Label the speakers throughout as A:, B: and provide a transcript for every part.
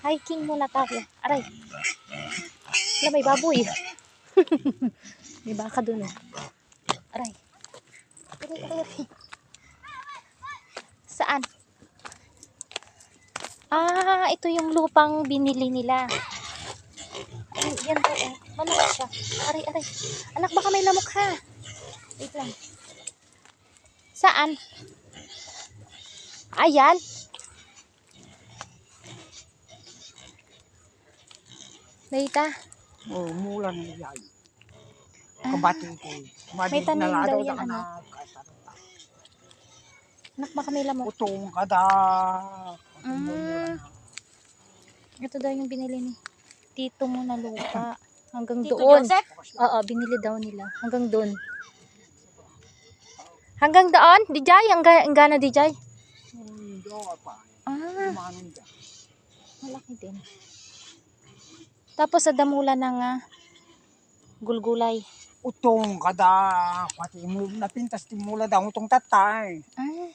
A: Hiking muna tayo. Aray. Wala, may baboy. May baka dun eh. Aray. Aray. Saan? Ah, ito yung lupang binili nila. Ay, yan po eh. Malamok siya. Aray. Anak, baka may lamok ha. Wait lang. Saan? Ayan. Dita.
B: Oh, mulan ng yay. Kabati ko.
A: May tanim daw yan, anak. Anak, baka may lamok.
B: Utong kada.
A: Ito daw yung binili ni Tito mo na lupa. Hanggang
C: Tito
A: doon.
C: Joseph?
A: Oo, binili daw nila. Hanggang doon. Hanggang doon? Dijay? Hanggang na Dijay?
B: Hindi ako pa.
A: Ah,
B: Manong dyan.
A: malaki din. Tapos sa damulan ng gulgulay.
B: Utong kada. Pati mo napintas ti mula daw utong tatay.
A: Ah,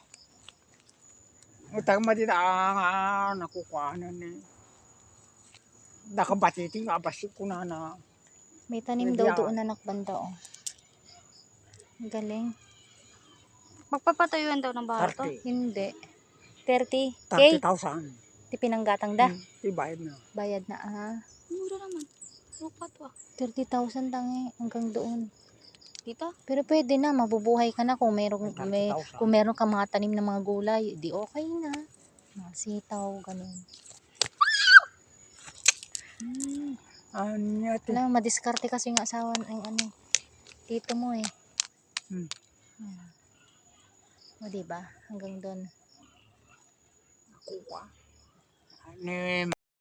B: Utang madina nakukuhanan eh. Nakabati ti abasik ko na.
A: may tanim daw doon na nakbanda oh. Ang galing.
C: Magpapatayuan daw ng bahay to.
B: 30.
A: Hindi. 30K?
B: 30,000.
A: Di pinanggatang da.
B: Ibayad na.
A: Bayad na
C: Mura naman. Lupa to
A: 30,000 tangi hanggang doon.
C: Dito?
A: Pero pwede na, mabubuhay ka na kung meron,
B: May 30,000.
A: kung meron ka mga tanim na mga gulay, di okay na. Mga sitaw, ganun.
B: Anya ti.
A: Alam, madiskarte kasi yung asawa ng tito mo eh. O diba? Hanggang doon.
B: Nakuha.